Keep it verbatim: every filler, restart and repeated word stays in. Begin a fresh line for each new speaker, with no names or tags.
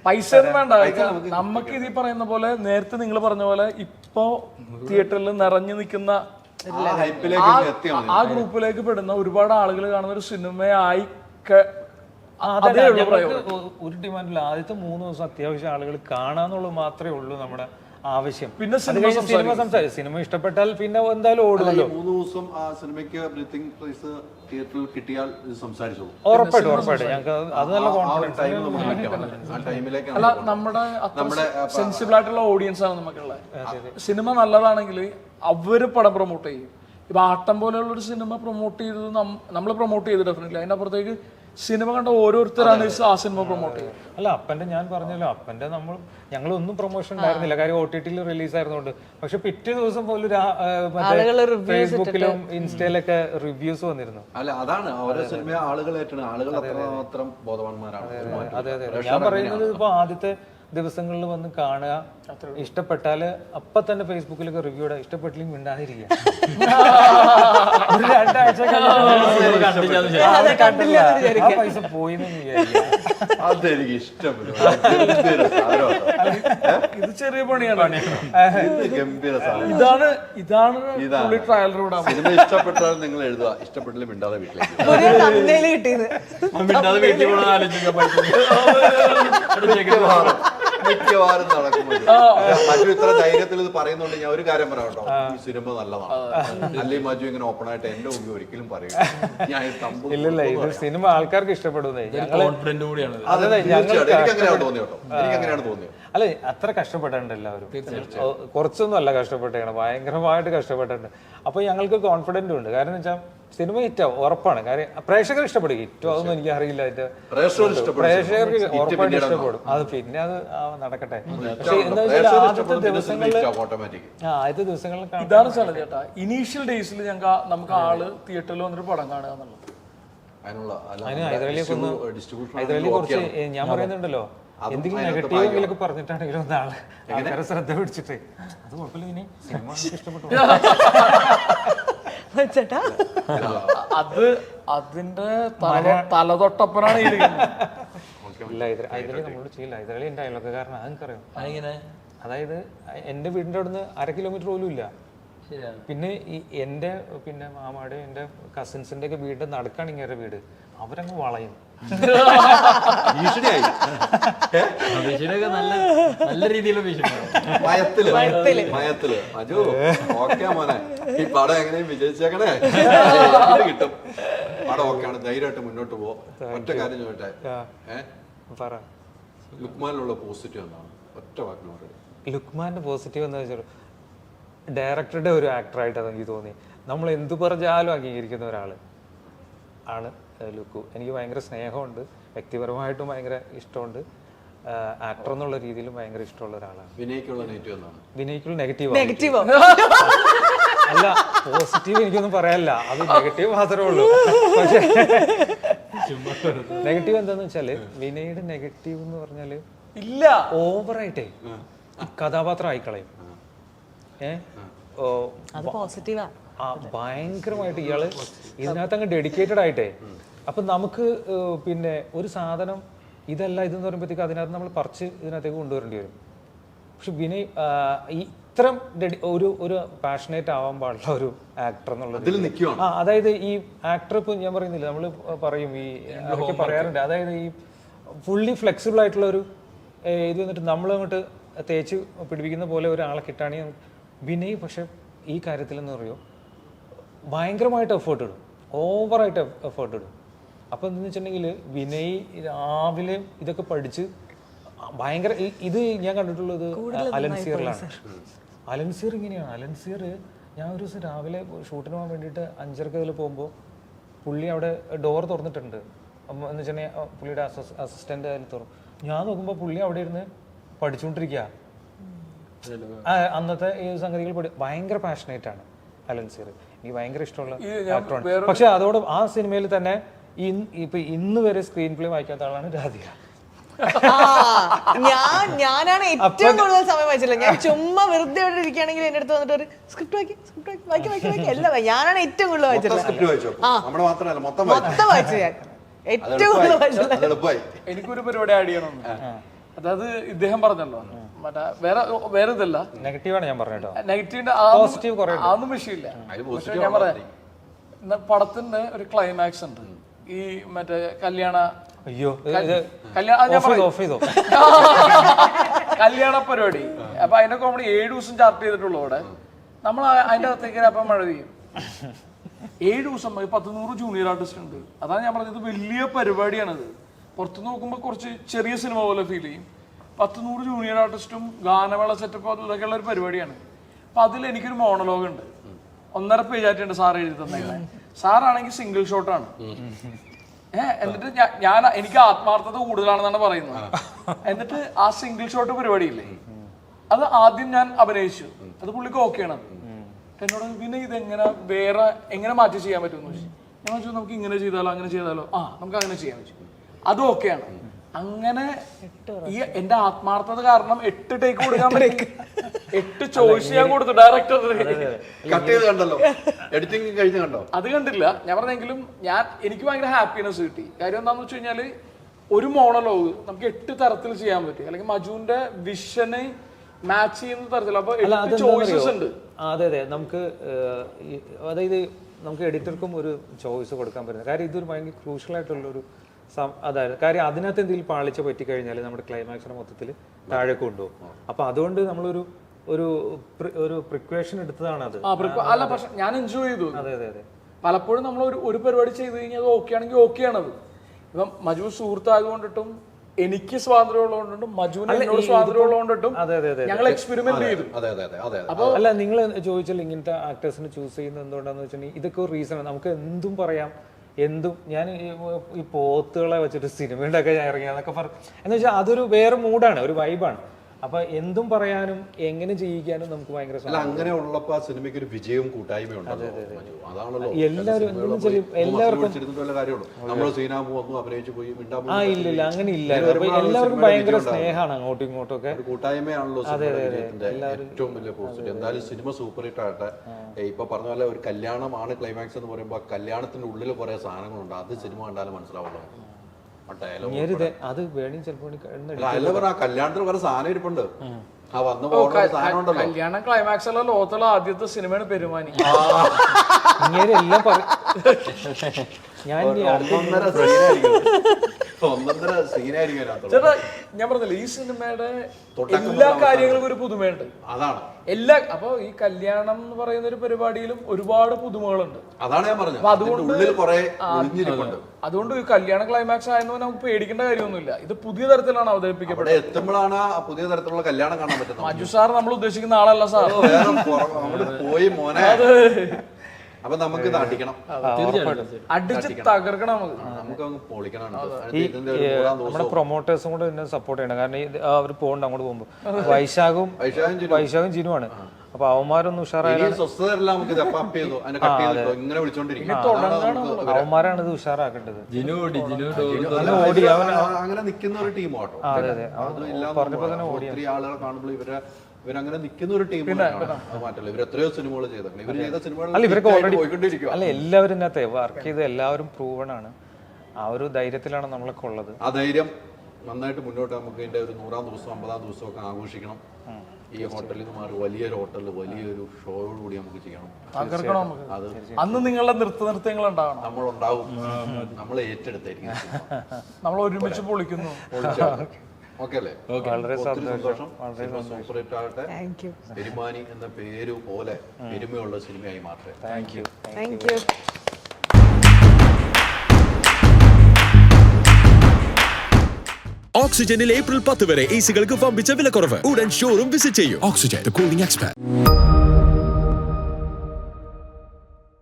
പൈസ ഒന്നും വേണ്ട. നമുക്ക് ഇത് പറയുന്ന പോലെ നേരത്തെ നിങ്ങൾ പറഞ്ഞ പോലെ ഇപ്പോ തിയേറ്ററിൽ നിറഞ്ഞു നിൽക്കുന്ന ആ ഗ്രൂപ്പിലേക്ക് പെടുന്ന ഒരുപാട് ആളുകൾ കാണുന്ന ഒരു സിനിമയായി
ഒരു ഡിമാൻഡില്ല. ആദ്യത്തെ മൂന്ന് ദിവസം അത്യാവശ്യം ആളുകൾ കാണാന്നുള്ളത് മാത്രമേ ഉള്ളൂ നമ്മുടെ ആവശ്യം.
പിന്നെ
സിനിമ സംസാരിക്കും. സിനിമ ഇഷ്ടപ്പെട്ടാൽ പിന്നെ എന്തായാലും ഓടുമല്ലോ.
മൂന്ന് ദിവസം ആ സിനിമയ്ക്ക് ബ്രീത്തിങ് പ്രൈസ് തിയേറ്ററിൽ കിട്ടിയാൽ സംസാരിച്ചോളൂ.
ഉറപ്പായിട്ടും ഉറപ്പായിട്ടും ഞങ്ങൾക്ക് അത് നല്ല കോൺഫിഡൻസ്.
അല്ല, നമ്മുടെ നമ്മുടെ സെൻസിബിൾ ആയിട്ടുള്ള ഓഡിയൻസ് ആണ് നമുക്കുള്ളത്. സിനിമ നല്ലതാണെങ്കിൽ അവര് പടം പ്രൊമോട്ട് ചെയ്യും. ഇപ്പൊ ആട്ടം പോലെയുള്ള ഒരു സിനിമ പ്രൊമോട്ട് ചെയ്തത് നമ്മൾ പ്രൊമോട്ട് ചെയ്ത് ഡെഫിനറ്റ്ലി അതിനപ്പുറത്തേക്ക് സിനിമ കണ്ട ഓരോരുത്തരാണ് ആ സിനിമ പ്രൊമോട്ട് ചെയ്യുന്നത്.
അല്ല, അപ്പന്റെ ഞാൻ പറഞ്ഞല്ലോ, അപ്പന്റെ നമ്മൾ ഞങ്ങളൊന്നും പ്രൊമോഷൻ ഉണ്ടായിരുന്നില്ല, കാര്യം ഒ ടി ടിയിൽ റിലീസ് ആയിരുന്നോണ്ട്. പക്ഷെ പിറ്റേ ദിവസം പോലും ഫേസ്ബുക്കിലും ഇൻസ്റ്റയിലൊക്കെ റിവ്യൂസ് വന്നിരുന്നു.
അല്ല, അതാണ് ഓരോ സിനിമ ആളുകൾ ഏറ്റവും ആളുകൾ അത്രമാത്രം ബോധവാന്മാരാണ്.
അതെ അതെ, ഞാൻ പറയുന്നത് ഇപ്പൊ ആദ്യത്തെ ദിവസങ്ങളിൽ വന്ന് കാണുക, ഇഷ്ടപ്പെട്ടാല് അപ്പൊ തന്നെ ഫേസ്ബുക്കിലൊക്കെ റിവ്യൂ ഇടുക, ഇഷ്ടപ്പെട്ടില്ലെങ്കിൽ മിണ്ടാതിരിക്കുക. ഒരു രണ്ടാഴ്ച പൈസ പോയി
അതെനിക്ക് ഇഷ്ടപ്പെട്ടു.
ഇത് ചെറിയ പണിയാണ്.
ഗംഭീര
ഇതാണ് ഇതാണ്
സിനിമ ഇഷ്ടപ്പെട്ടാൽ നിങ്ങൾ എഴുതുക, ഇഷ്ടപ്പെട്ടില്ല മിണ്ടാതെ വീട്ടിലേക്ക് മിക്കവാറും നടക്കുന്നത്. മജു ഇത്ര ധൈര്യത്തിൽ ഇത് പറയുന്നുണ്ട്. ഞാൻ ഒരു കാര്യം പറയാം കേട്ടോ, ഈ സിനിമ നല്ലതാണ്. അല്ലെങ്കിൽ മജു ഇങ്ങനെ ഓപ്പൺ ആയിട്ട് എന്റെ മുമ്പിൽ ഒരിക്കലും പറയും ഞാൻ
ഇല്ലല്ല, ഇത് സിനിമ ആൾക്കാർക്ക് ഇഷ്ടപ്പെടുന്നേ.
കോൺഫിഡന്റ് കൂടിയാണ്.
എനിക്ക് അങ്ങനെയാണ് തോന്നിയത് കേട്ടോ, എനിക്ക് അങ്ങനെയാണ് തോന്നിയത്.
അല്ലെ, അത്ര കഷ്ടപ്പെട്ടിട്ടുണ്ട് എല്ലാവരും. കുറച്ചൊന്നും അല്ല കഷ്ടപ്പെട്ടാണ്, ഭയങ്കരമായിട്ട് കഷ്ടപ്പെട്ടിട്ടുണ്ട്. അപ്പൊ ഞങ്ങൾക്ക് കോൺഫിഡന്റും ഉണ്ട്. കാരണം വെച്ചാൽ സിനിമ ഹിറ്റാവും ഉറപ്പാണ്. കാര്യം പ്രേക്ഷകർ ഇഷ്ടപ്പെടും. ഹിറ്റോ അതൊന്നും എനിക്ക് അറിയില്ല. പ്രേക്ഷകർക്ക് ഉറപ്പായിട്ട് ഇഷ്ടപ്പെടും. അത് പിന്നെ അത് നടക്കട്ടെ. പക്ഷെ എന്താ വെച്ചാൽ ആദ്യത്തെ ദിവസങ്ങളിൽ ആ ആദ്യത്തെ ദിവസങ്ങളിൽ
ഇതാണ് സ്ഥലം ചേട്ടാ. ഇനീഷ്യൽ ഡേയ്സിൽ ഞങ്ങൾക്ക് നമുക്ക് ആള് തിയേറ്ററിൽ വന്നൊരു പടം കാണുക എന്നുള്ളത്.
അതിന് ഹൈദരാലിയെ കൊന്ന് ഹൈദരാലി കുറച്ച് ഞാൻ പറയുന്നുണ്ടല്ലോ, എന്തെങ്കിലും നെഗറ്റീവ് എങ്കിലൊക്കെ പറഞ്ഞിട്ടാണെങ്കിലും ഒന്നാള് ആൾക്കാരെ ശ്രദ്ധ പിടിച്ചിട്ട് അത് കുഴപ്പമില്ല, ഇനി സിനിമ ഇഷ്ടപ്പെട്ടു.
അത് അതിന്റെ തലതൊട്ടപ്പനാണ്
നമ്മളോട് ചെയ്യില്ല. ഹൈദരാലി എന്റെ അയൽവക്കാരനാണ്, അതെനിക്കറിയാം. അതായത് എന്റെ വീടിന്റെ അവിടുന്ന് അര കിലോമീറ്റർ പോലും ഇല്ല. പിന്നെ ഈ എന്റെ പിന്നെ മാമാടെ എന്റെ കസിൻസിന്റെ ഒക്കെ വീട് നടക്കാണ് ഇങ്ങനെ വീട്, അവരങ്ങ് വളയും.
നല്ല രീതിയിലുള്ള
ഈ പടം എങ്ങനെയും വിജയിച്ചേക്കണേ, കിട്ടും. പടം ഓക്കെയാണ്, ധൈര്യമായിട്ട് മുന്നോട്ട് പോവാം. ഒറ്റ കാര്യം ചോദിട്ടെ,
പറ
ലുക്മാനിലുള്ള പോസിറ്റീവ് എന്താണ്? ഒറ്റ വാക്കിന് പറയുന്നത്.
ലുക്മാന്റെ പോസിറ്റീവ് എന്താ വെച്ചാൽ ഡയറക്ടറുടെ ഒരു ആക്ടറായിട്ട് അതെനിക്ക് തോന്നി. നമ്മൾ എന്തു പറഞ്ഞാലും അംഗീകരിക്കുന്ന ഒരാള് ആണ് ലുക്കു. എനിക്ക് ഭയങ്കര സ്നേഹമുണ്ട്, വ്യക്തിപരമായിട്ടും ഭയങ്കര ഇഷ്ടമുണ്ട്. ആക്ടർ എന്നുള്ള രീതിയിലും ഭയങ്കര ഇഷ്ടമുള്ള ഒരാളാണ്.
വിനയ്ക്കുള്ള നെഗറ്റീവ് എന്താണ്?
വിനയ്ക്കുള്ള നെഗറ്റീവ് അല്ല, പോസിറ്റീവ് എനിക്കൊന്നും പറയാനില്ല, അത് നെഗറ്റീവ് മാത്രമേ ഉള്ളൂ. പക്ഷേ നെഗറ്റീവ് എന്താന്ന് വെച്ചാല് വിനയുടെ നെഗറ്റീവ് എന്ന് പറഞ്ഞാല്
ഇല്ല,
ഓവറായിട്ടേ കഥാപാത്രം ആയിക്കളയും. ഏഹ് ഭയങ്കരമായിട്ട് ഇയാള് ഇതിനകത്ത് അങ്ങ് ഡെഡിക്കേറ്റഡ് ആയിട്ടേ. അപ്പൊ നമുക്ക് പിന്നെ ഒരു സാധനം ഇതല്ല ഇതെന്ന് പറയുമ്പോഴത്തേക്ക് അതിനകത്ത് നമ്മൾ പറിച്ച് ഇതിനകത്തേക്ക് കൊണ്ടുവരേണ്ടി വരും. പക്ഷെ വിനയ് ഈ ഇത്തരം ഒരു ഒരു പാഷനേറ്റ് ആവാൻ പാടുള്ള ഒരു ആക്ടർ എന്നുള്ളത്. ആ അതായത് ഈ ആക്ടർ ഇപ്പൊ ഞാൻ പറയുന്നില്ല, നമ്മൾ പറയും ഈ അതൊക്കെ പറയാറുണ്ട്. അതായത് ഈ ഫുള്ളി ഫ്ലെക്സിബിൾ ആയിട്ടുള്ള ഒരു ഇത് വന്നിട്ട് നമ്മൾ അങ്ങോട്ട് തേച്ച് പിടിപ്പിക്കുന്ന പോലെ ഒരാളെ കിട്ടുകയാണെങ്കിൽ വിനയ് പക്ഷെ ഈ കാര്യത്തിൽ എന്ന് പറയുമോ ഭയങ്കരമായിട്ട് എഫേർട്ട് ഇടും, ഓവറായിട്ട് എഫേർട്ട് ഇടും. അപ്പം എന്താണെന്ന് വെച്ചിട്ടുണ്ടെങ്കിൽ വിനയ് രാവിലെ ഇതൊക്കെ പഠിച്ച് ഭയങ്കര ഇത് ഞാൻ കണ്ടിട്ടുള്ളത് അലൻസിയറിലാണ്. അലൻസിയർ ഇങ്ങനെയാണ്. അലൻസിയർ ഞാൻ ഒരു ദിവസം രാവിലെ ഷൂട്ടിന് പോകാൻ വേണ്ടിയിട്ട് അഞ്ചരക്ക് അതിൽ പോകുമ്പോൾ പുള്ളി അവിടെ ഡോർ തുറന്നിട്ടുണ്ട്. എന്ന് വെച്ചിട്ടുണ്ടെങ്കിൽ പുള്ളിയുടെ അസസ് അസിസ്റ്റൻ്റ് അതിൽ തുറന്നു. ഞാൻ നോക്കുമ്പോൾ പുള്ളി അവിടെ ഇരുന്ന് പഠിച്ചുകൊണ്ടിരിക്കുക. അന്നത്തെ ഈ സംഗതികൾ പഠി ഭയങ്കര പാഷനേറ്റ് ആണ് അലൻസിയർ. എനിക്ക് ഭയങ്കര ഇഷ്ടമുള്ള ആക്ടറാണ്. പക്ഷെ അതോടെ ആ സിനിമയിൽ തന്നെ ഇപ്പൊ ഇന്ന് വരെ സ്ക്രീൻ പ്ലേ വായിക്കാത്ത ആളാണ് രാധിക.
ഞാൻ ഞാനാണ് ഏറ്റവും കൂടുതൽ സമയം വായിച്ചില്ല. ഞാൻ ചുമ്മാ വെറുതെ അവിടെ ഇരിക്കുകയാണെങ്കിൽ എന്റെ അടുത്ത് വന്നിട്ട് ഒരു സ്ക്രിപ്റ്റ് വായിക്കും, സ്ക്രിപ്റ്റ് വായിക്കും, വായിക്കും, വായിക്കും എല്ലാം ഞാനാണ് ഏറ്റവും കൂടുതൽ വായിച്ചിട്ടുള്ളത്. മൊത്തം വായിച്ചു ഞാൻ ഏറ്റവും കൂടുതൽ വായിച്ചിട്ടുള്ളത്.
എനിക്കൊരു പരിപാടി ആഡ് ചെയ്യണം. അതായത് ഇദ്ദേഹം പറഞ്ഞല്ലോ മറ്റേ വേറെ വേറെ ഇതല്ല
നെഗറ്റീവാണ് ഞാൻ പറഞ്ഞോ.
നെഗറ്റീവിന്റെ
പോസിറ്റീവ് കുറേ
അതൊന്നും വിഷയമില്ല. പക്ഷെ ഞാൻ പറയാം ഇന്ന് പടത്തിന്റെ ഒരു ക്ലൈമാക്സ് ഉണ്ട് ഈ മറ്റേ കല്യാണ
അയ്യോ
കല്യാണ ഞാൻ പറയാം
ഓഫ് ചെയ്തോ
കല്യാണ പരിപാടി. അപ്പൊ അതിന്റെ കോമഡി ഏഴ് ദിവസം ചാർട്ട് ചെയ്തിട്ടുള്ളൂ അവിടെ. നമ്മൾ അതിന്റെ അകത്തേക്ക് അപ്പൊ മഴ പെയ്യും. ഏഴ് ദിവസം പത്ത് നൂറ് ജൂനിയർ ആർട്ടിസ്റ്റ് ഉണ്ട്. അതാണ് ഞാൻ പറഞ്ഞത് വലിയ പരിപാടിയാണത്. പുറത്ത് നോക്കുമ്പോൾ കുറച്ച് ചെറിയ സിനിമ പോലെ ഫീൽ ചെയ്യും. പത്ത് നൂറ് ജൂനിയർ ആർട്ടിസ്റ്റും ഗാനമേള സെറ്റപ്പ് അതൊക്കെയുള്ള ഒരു പരിപാടിയാണ്. അപ്പൊ അതിൽ എനിക്കൊരു മോണലോഗ് ഉണ്ട്, ഒന്നര പേജായിട്ടുണ്ട് സാർ എഴുതി തന്നെ. സാറാണെങ്കിൽ സിംഗിൾ ഷോട്ടാണ്. ഏഹ് എന്നിട്ട് ഞാൻ എനിക്ക് ആത്മാർത്ഥത കൂടുതലാണെന്നാണ് പറയുന്നത്. എന്നിട്ട് ആ സിംഗിൾ ഷോട്ട് പരിപാടിയില്ലേ അത് ആദ്യം ഞാൻ അഭിനയിച്ചു. അത് പുള്ളിക്ക് ഓക്കെയാണ്. എന്നോട് പിന്നെ ഇതെങ്ങനെ വേറെ എങ്ങനെ മാറ്റി ചെയ്യാൻ പറ്റുമെന്ന് ചോദിച്ചു. ഞാൻ ചോദിച്ചു നമുക്ക് ഇങ്ങനെ ചെയ്താലോ അങ്ങനെ ചെയ്താലോ. ആ നമുക്ക് അങ്ങനെ ചെയ്യാൻ പറ്റും, അതും ഓക്കെയാണ്. അങ്ങനെ ഈ എന്റെ ആത്മാർത്ഥത കാരണം എട്ട് ടേക്ക് കൊടുക്കാൻ പറ്റും. എട്ട് ചോയ്സ് ഞാൻ കൊടുത്തു ഡയറക്ടറിന്.
കട്ട് ചെയ്ത് കണ്ടല്ലോ, എഡിറ്റിംഗ് കഴിഞ്ഞ് കണ്ടോ?
അത് കണ്ടില്ല ഞാൻ പറഞ്ഞെങ്കിലും ഞാൻ എനിക്ക് ഭയങ്കര ഹാപ്പിനെസ് കിട്ടി. കാര്യം എന്താണെന്ന് വെച്ച് കഴിഞ്ഞാല് ഒരു മോണലോഗ് നമുക്ക് എട്ട് തരത്തിൽ ചെയ്യാൻ പറ്റും. അല്ലെങ്കിൽ മജുവിന്റെ വിഷന് മാച്ച് ചെയ്യുന്ന തരത്തിൽ. അപ്പൊ എട്ട് ചോയ്സസ് ഉണ്ട്.
അതെ അതെ നമുക്ക് അതായത് നമുക്ക് എഡിറ്റർക്കും ഒരു ചോയ്സ് കൊടുക്കാൻ പറ്റുന്നത്. കാര്യം ഇതൊരു ഭയങ്കര ക്രൂഷ്യൽ ആയിട്ടുള്ളൊരു അതായത് കാര്യം അതിനകത്ത് എന്തെങ്കിലും പാളിച്ച പറ്റിക്കഴിഞ്ഞാൽ നമ്മുടെ ക്ലൈമാക്സിനെ മൊത്തത്തിൽ താഴെ കൊണ്ടുപോകും. അപ്പൊ അതുകൊണ്ട് നമ്മളൊരു ഒരു ഒരു പ്രിക്വേഷൻ എടുത്തതാണ് അത്.
അല്ല പക്ഷെ ഞാൻ എൻജോയ് ചെയ്തു.
അതെ അതെ അതെ
പലപ്പോഴും നമ്മൾ ഒരു ഒരു പരിപാടി ചെയ്ത് കഴിഞ്ഞാൽ അത് ഓക്കെ ആണെങ്കിൽ ഓക്കെ ആണത്. ഇപ്പം മജു സുഹൃത്തായതുകൊണ്ടിട്ടും എനിക്ക് സ്വാതന്ത്ര്യം ഉള്ളതുകൊണ്ടും മജുവിന് എന്നോട് സ്വാതന്ത്ര്യം ഉള്ളതുകൊണ്ടിട്ടും ഞങ്ങൾ എക്സ്പെരിമെന്റ് ചെയ്തു.
അപ്പൊ അല്ല നിങ്ങൾ ചോദിച്ചാൽ ഇങ്ങനത്തെ ആക്ടേഴ്സിനെ ചൂസ് ചെയ്യുന്നത് എന്തുകൊണ്ടാന്ന് വെച്ചിട്ടുണ്ടെങ്കിൽ ഇതൊക്കെ ഒരു റീസൺ. നമുക്ക് എന്തും പറയാം, എന്തും. ഞാൻ ഈ പോത്തുകളെ വെച്ചിട്ട് സിനിമ ഉണ്ടാക്കാൻ ഞാൻ ഇറങ്ങിയാന്നൊക്കെ പറഞ്ഞു എന്ന് വെച്ചാൽ അതൊരു വേറെ മൂഡാണ്, ഒരു വൈബാണ്. അപ്പൊ എന്തും പറയാനും എങ്ങനെ ചെയ്യിക്കാനും നമുക്ക് ഭയങ്കര
അങ്ങനെ ഉള്ളപ്പോ സിനിമയ്ക്ക് ഒരു വിജയവും കൂട്ടായ്മയും അതാണല്ലോ
എല്ലാവരും എല്ലാവർക്കും ആ ഇല്ല ഇല്ല അങ്ങനെ ഇല്ല. എല്ലാവർക്കും ഭയങ്കര സ്നേഹമാണ് അങ്ങോട്ടും ഇങ്ങോട്ടും ഒക്കെ.
കൂട്ടായ്മയാണല്ലോ ഏറ്റവും വലിയ പോസിറ്റീവ്. എന്തായാലും സിനിമ സൂപ്പർ ഹിറ്റ് ആകട്ടെ. ഇപ്പൊ പറഞ്ഞ പോലെ ഒരു കല്യാണമാണ് ക്ലൈമാക്സ് എന്ന് പറയുമ്പോൾ കല്യാണത്തിന്റെ ഉള്ളിൽ കുറെ സാധനങ്ങളുണ്ട്. അത് സിനിമ കണ്ടാലും മനസ്സിലാവുള്ളൂ.
അത് വേണി ചിലപ്പോ
കല്യാണത്തിന് കുറെ സാധനം ഇരിപ്പുണ്ട്.
കല്യാണം ക്ലൈമാക്സ് അല്ല ലോകത്തുള്ള ആദ്യത്തെ സിനിമയാണ് പെരുമാനി.
ഇങ്ങനെ എല്ലാം പറയും. ഞാൻ
ചേട്ടാ ഞാൻ പറഞ്ഞില്ല ഈ സിനിമയുടെ എല്ലാ കാര്യങ്ങൾക്കും ഒരു പുതുമയുണ്ട്.
അതാണ്
എല്ലാ അപ്പൊ ഈ കല്യാണം എന്ന് പറയുന്ന ഒരു പരിപാടിയിലും ഒരുപാട് പുതുമകളുണ്ട്.
അതാണ് ഞാൻ പറഞ്ഞത്. അതുകൊണ്ട്
അതുകൊണ്ട് ഈ കല്യാണ ക്ലൈമാക്സ് ആയെന്ന് നമുക്ക് പേടിക്കേണ്ട കാര്യമൊന്നുമില്ല. ഇത് പുതിയ തരത്തിലാണ് അവതരിപ്പിക്കപ്പെടുന്നത്.
എത്തുമ്പോഴാണ് പുതിയ തരത്തിലുള്ള കല്യാണം കാണാൻ പറ്റുന്നത്.
മജു സാർ നമ്മൾ ഉദ്ദേശിക്കുന്ന ആളല്ല സാർ.
പോയി മോനെ അപ്പൊ നമുക്ക് ഇത് അടിക്കണം,
അടിച്ച് തകർക്കണം,
നമുക്ക് പൊളിക്കണം.
നമ്മുടെ പ്രൊമോട്ടേഴ്സും കൂടെ എന്നെ സപ്പോർട്ട് ചെയ്യണം. കാരണം അവർ പോകണ്ട അങ്ങോട്ട് പോകുമ്പോ വൈശാഖും വൈശാഖും ജിനുവാണ്. അപ്പൊ അവന്മാരൊന്നും ഉഷാറായി അവന്മാരാണ് ഇത് ഉഷാറാക്കേണ്ടത്.
ഓടി അങ്ങനെ നിൽക്കുന്ന ഒരു ടീമാട്ടോ.
അതെ അതെ പറഞ്ഞപ്പോ തന്നെ ഓടി
ആളുകളെ കാണുമ്പോൾ ഇവരെ ഇവരങ്ങനെ നിൽക്കുന്ന ഒരു ടീം മാറ്റല്ല. ഇവർ എത്രയോ സിനിമകൾ ചെയ്തിട്ടുണ്ട്. ഇവർ ചെയ്ത സിനിമകൾ
ഇവരൊക്കെ ഓൾറെഡി പോയിക്കൊണ്ടിരിക്കും. അല്ല എല്ലാവരും ഇതിനകത്ത് വർക്ക് ചെയ്ത് എല്ലാവരും പ്രൂവൺ ആണ്. ആ ഒരു ധൈര്യത്തിലാണ് നമ്മളൊക്കെ ഉള്ളത്.
ആ ധൈര്യം നന്നായിട്ട് മുന്നോട്ട് നമുക്ക് ഇതിന്റെ ഒരു നൂറാം ദിവസം അമ്പതാം ദിവസം ഒക്കെ ആഘോഷിക്കണം. ഈ ഹോട്ടലിൽ നിന്ന് മാറി വലിയൊരു ഹോട്ടലിൽ വലിയൊരു ഷോയോട് കൂടി നമുക്ക് ചെയ്യണം.
അത് അന്ന് നിങ്ങളുടെ നൃത്ത നൃത്യങ്ങൾ ഉണ്ടാവണം.
നമ്മളുണ്ടാവും, നമ്മൾ ഏറ്റെടുത്തായിരിക്കും.
നമ്മൾ ഒരുമിച്ച് പൊളിക്കുന്നു.
ഓക്കെ അല്ലേ?
വളരെ സന്തോഷം.
സൂപ്പർ ഹിറ്റ് ആകട്ടെ. പെരുമാനി എന്ന പേര് പോലെ പെരുമയുള്ള സിനിമയായി മാറട്ടെ.
Thank you
thank you.
ഓക്സിജനിൽ ഏപ്രിൽ പത്ത് വരെ എ സികൾക്ക് വമ്പിച്ച വിലക്കുറവ്. ഉടൻ ഷോറൂം വിസിറ്റ് ചെയ്യൂ. Oxygen, the cooling expert.